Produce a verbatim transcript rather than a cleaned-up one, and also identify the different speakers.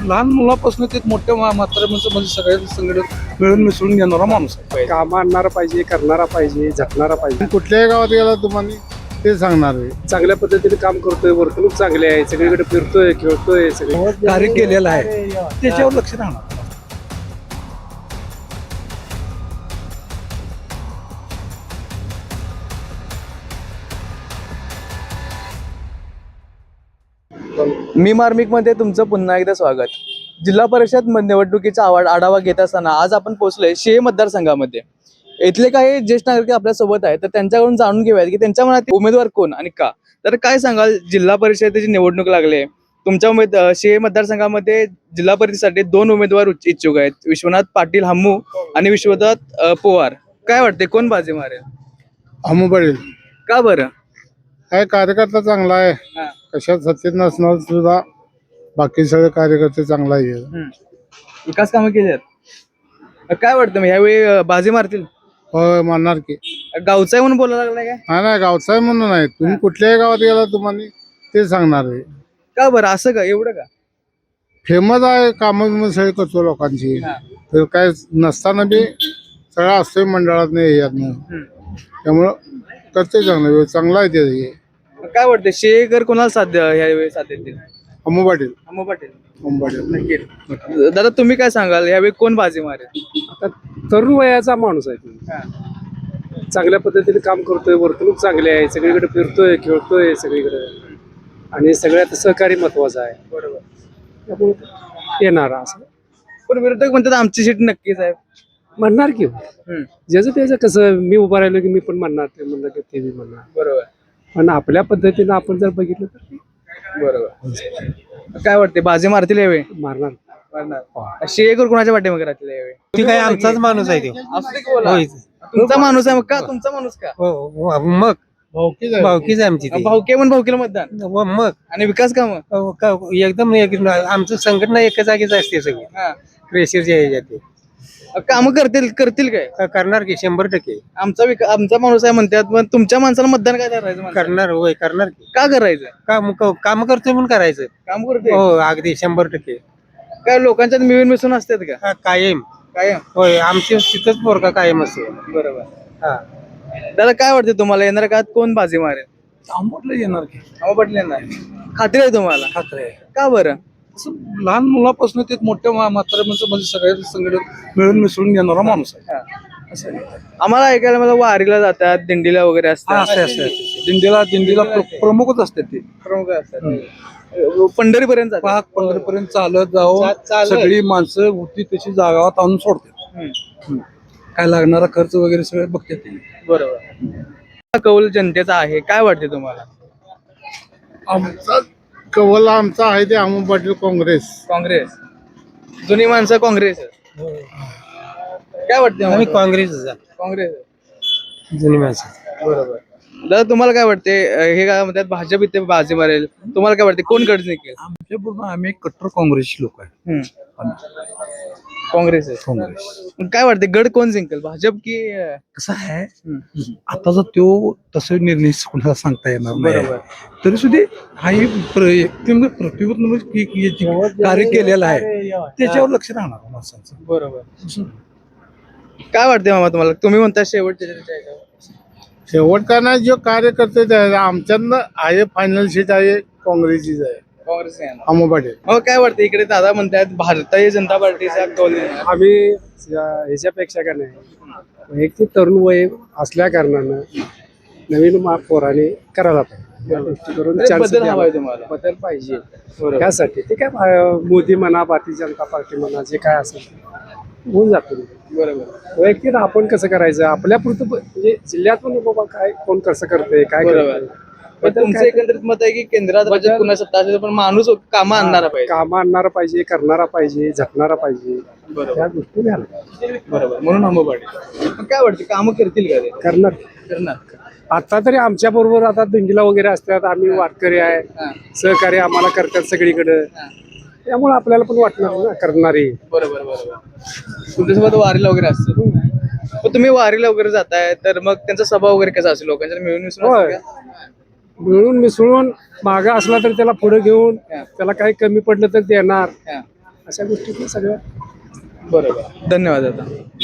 Speaker 1: लहान मुलापासून ते मोठ्या म्हाताऱ्या म्हणजे सगळ्या संघटन मिळून मिसळून घेणारा माणूस आहे.
Speaker 2: काम आणणारा पाहिजे, करणारा पाहिजे, झटणारा पाहिजे.
Speaker 3: कुठल्याही गावात गेला तुम्हाला ते सांगणार आहे.
Speaker 2: चांगल्या पद्धतीने काम करतोय, वर्तणूक चांगली आहे, सगळीकडे फिरतोय, खेळतोय, सगळं
Speaker 1: कार्य केलेलं आहे त्याच्यावर लक्ष राहणार.
Speaker 4: मी मार्मिकमध्ये तुमचं पुन्हा एकदा स्वागत. जिल्हा परिषद निवडणुकीचा आवाड आढावा घेत असताना आज आपण पोहोचलोय शेहे मतदारसंघामध्ये. इथले काही ज्येष्ठ नागरिक आपल्या सोबत आहेत, तर त्यांच्याकडून जाणून घेऊयात की त्यांच्या मनात उमेदवार कोण आणि का. तर काय सांगाल, जिल्हा परिषदेची निवडणूक लागली आहे, तुमच्या उमेद शेहे मतदारसंघामध्ये जिल्हा परिषदेसाठी दोन उमेदवार इच्छुक आहेत, विश्वनाथ पाटील हम्मू आणि विश्वनाथ अ, पवार. काय वाटते कोण बाजी मारेल?
Speaker 3: हमू पडेल.
Speaker 4: का बरं?
Speaker 3: काय कार्यकर्ता चांगला आहे,
Speaker 4: हा.
Speaker 3: कशात सत्तेत नसणार सुद्धा बाकी सगळे कार्यकर्ते चांगला आहे.
Speaker 4: हम्म. विकास कामं केली आहेत. काय वाटतं मग ह्यावेळी अ, बाजी मारतील?
Speaker 3: होय म्हणणार की.
Speaker 4: गावचा आहे म्हणून बोलायला लागलाय काय?
Speaker 3: हा नाही गावचा आहे म्हणून नाही, तुम्ही कुठल्याही गावात गेला तुम्हाला ते सांगणार आहे.
Speaker 4: का बरं असं का, एवढं का?
Speaker 3: फेमस आहे, कामं सगळे करतो लोकांची.
Speaker 4: हा.
Speaker 3: तर काय नसताना बी सगळं असतोय मंडळात नाही यातनं,
Speaker 4: हम्म.
Speaker 3: त्यामुळं करते चांगलं, चांगला आहे ते.
Speaker 4: मग काय वाटतं शेकर कोणाला साध्य ह्यावेळी साध्य देतील?
Speaker 3: हमू पाटील.
Speaker 4: अम्मा पाटील.
Speaker 3: हमू पाटील
Speaker 4: नक्की. दादा तुम्ही काय सांगाल, यावेळी कोण बाजी मारेल?
Speaker 2: आता तरुण वयाचा माणूस आहे तो.
Speaker 4: हा.
Speaker 2: चांगल्या पद्धतीने काम करतोय, वर्तणूक चांगली आहे, सगळीकडे फिरतोय, खेळतोय, सगळीकडे आणि सगळ्यात सहकारी महत्वाचं आहे.
Speaker 4: बरोबर.
Speaker 2: त्यामुळे येणारा असं
Speaker 4: पण विरोधक म्हणतात आमची सीट नक्कीच आहे.
Speaker 2: म्हणणार की
Speaker 4: हम्म.
Speaker 2: ज्याचं त्याचं कसं, मी उभा राहिलो की मी पण म्हणणार, ते म्हणलं की ते बी म्हणणार.
Speaker 4: बरोबर.
Speaker 2: पण आपल्या पद्धतीनं आपण जर बघितलं तर ते
Speaker 4: बरोबर. काय वाटते बाजी मारतील यावेळी?
Speaker 2: मारणार.
Speaker 4: मारणार. शेकर कोणाच्या पाठीमागे राहतील यावेळी?
Speaker 5: ती काय आमचाच माणूस आहे तो.
Speaker 4: असू दे की बोला.
Speaker 5: होय.
Speaker 4: तुमचा माणूस आहे मग का? तुमचा माणूस का?
Speaker 5: हो हो, मग भावकीच आहे आमची ती.
Speaker 4: भाऊके म्हणून भाऊकेला मतदान
Speaker 5: व मग
Speaker 4: आणि विकास काम.
Speaker 5: अहो, का- एकदम एक- आमचं संघटना एका जागीच असते सगळी. क्रेशरच्या ह्याच्यात ते.
Speaker 4: काम करतील करतील काय?
Speaker 5: का- करणार की शंभर टक्के
Speaker 4: आमचा विका- आमचा माणूस आहे म्हणतात, पण तुमच्या माणसाला मतदान काय करायचं? माणसाला?
Speaker 5: करणार. होय करणार की.
Speaker 4: का करायचं?
Speaker 5: काम काम करतोय म्हणून करायचं.
Speaker 4: काम करते
Speaker 5: हो अगदी शंभर टक्के.
Speaker 4: काय लोकांच्यात मिळून मिसळून असतात का?
Speaker 5: का- कायम.
Speaker 4: काय
Speaker 5: होय आमची तिथंच पोरका कायम असते.
Speaker 4: बरोबर.
Speaker 5: हा.
Speaker 4: दादा काय वाटते तुम्हाला, येणार काळात कोण बाजी मारेल?
Speaker 1: आंबटला येणार की
Speaker 4: अहो पाटील येणार, खात्री आहे तुम्हाला?
Speaker 1: खात्री आहे.
Speaker 4: का बरं?
Speaker 1: असं लहान मुलापासून ते मोठ्या म्हाताऱ्या म्हणजे सगळ्या संघटन मिळून मिसळून घेणारा माणूस आहे.
Speaker 4: हा. असं आहे. आम्हाला ऐकायला मला वारीला जातात, दिंडीला वगैरे
Speaker 1: हा,
Speaker 4: असतात,
Speaker 1: असते असते असते. दिंडीला दिंडीला प्र- प्रमुखच असते ते.
Speaker 4: प्रमुख असतात, पंढरी पर्यंत जातात.
Speaker 1: पाक पंढरीपर्यंत चालत जाऊन सगळी माणसं होती तशी जागावात आणून सोडते.
Speaker 4: हम्म.
Speaker 1: काय लागणारा खर्च वगैरे सगळे बघते ते.
Speaker 4: बरोबर. कौल जनतेचा आहे, काय वाटते तुम्हाला?
Speaker 3: आमचा कवल आमचा आहे ते हमू पाटील काँग्रेस.
Speaker 4: काँग्रेस. जुनी माणसं काँग्रेस. काय वाटते
Speaker 5: आम्ही
Speaker 4: तुम्हाला?
Speaker 5: काँग्रेसच आहे.
Speaker 4: काँग्रेस.
Speaker 5: जुनी माणसं.
Speaker 4: बरोबर. दादा तुम्हाला काय वाटते, हे काय म्हणतात भाजप इथे बाजी मारेल, तुम्हाला काय वाटते कोण कडच निघेल?
Speaker 1: आमच्या पूर्ण आम्ही कट्टर काँग्रेसची लोक आहे.
Speaker 4: हम्म. काँग्रेस आहे.
Speaker 1: काँग्रेस
Speaker 4: मग काय वाटते गड कोण जिंकेल, भाजप की?
Speaker 1: कसं आहे,
Speaker 4: हम्म.
Speaker 1: आताचा तो तसं निर्णय कोणाला सांगता येणार नाही.
Speaker 4: बरोबर.
Speaker 1: तरी सुद्धा हा एक प्र- एकदम प्रतिबंध की- की याची कार्य केलेलं आहे त्याच्यावर लक्ष राहणार माणसांचं.
Speaker 4: बरोबर. काय वाटते मामा तुम्हाला, तुम्ही म्हणता शेवटच्या चर्चा आहे का?
Speaker 3: शेवट का नाही, जो कार्यकर्ते ते आहे, आमच्यातनं आहे फायनल सीट आहे काँग्रेसचीच आहे.
Speaker 4: काँग्रेस आहे ना.
Speaker 3: हमू पाटील.
Speaker 4: हो काय वाटतं, इकडे दादा म्हणतात भारतीय जनता पार्टीचा कौल देणार.
Speaker 2: आम्ही या- ह्याच्यापेक्षा का नाही, एक ते तरुण वय असल्या कारणानं नवीन मा- पोराने करायला पाहिजे. या गोष्टी करून
Speaker 4: तरी
Speaker 2: chance
Speaker 4: बदल
Speaker 2: द्यावा.
Speaker 4: हवाय तुम्हाला.
Speaker 2: बदल पाहिजे
Speaker 4: बरोबर.
Speaker 2: त्यासाठी. ते काय अं, मोदी म्हणा, भारतीय जनता पार्टी म्हणा, जे काय असेल ते होऊन जातो.
Speaker 4: बरोबर.
Speaker 2: वैयक्तिक आपण कसं करायचं, आपल्या पुरतं प- म्हणजे जिल्ह्यातून बाबा काय कोण कसं करतंय, काय
Speaker 4: बरोबर.
Speaker 2: करतंय.
Speaker 4: पण तुमचं एकंदरित मत आहे की केंद्रात राज्यात पुन्हा सत्ता असेल पण माणूस कामं आणणारा पाहिजे.
Speaker 2: काम आणणारा पाहिजे, करणारा पाहिजे, झटणारा पाहिजे.
Speaker 4: बरोबर.
Speaker 2: त्या गोष्टी झाल्या
Speaker 4: बरोबर. म्हणून आंबा पाटील. पण काय वाटतं कामं करतील का ते?
Speaker 2: करणार.
Speaker 4: करणार.
Speaker 2: आता तरी आमच्या बरोबर आता दिंडीला वगैरे असतात, आम्ही वारकरी आहे,
Speaker 4: हा.
Speaker 2: सहकार्य आम्हाला करतात सगळीकडे.
Speaker 4: हा.
Speaker 2: त्यामुळे आपल्याला पण वाटणार ना करणारी.
Speaker 4: बरोबर बरोबर. तुमच्यासोबत वारीला वगैरे असतं, पण तुम्ही वारीला वगैरे जाताय तर मग त्यांचा स्वभाव वगैरे कसा असेल, लोकांच्या मिळून मिसळून
Speaker 2: होय.
Speaker 4: असतं का?
Speaker 2: मिळून मिसळून मागा असला तर त्याला पुढे घेऊन, त्याला काही कमी पडलं तर देणार.
Speaker 4: हा.
Speaker 2: अशा गोष्टी सगळ्या
Speaker 4: बरोबर, धन्यवाद दादा.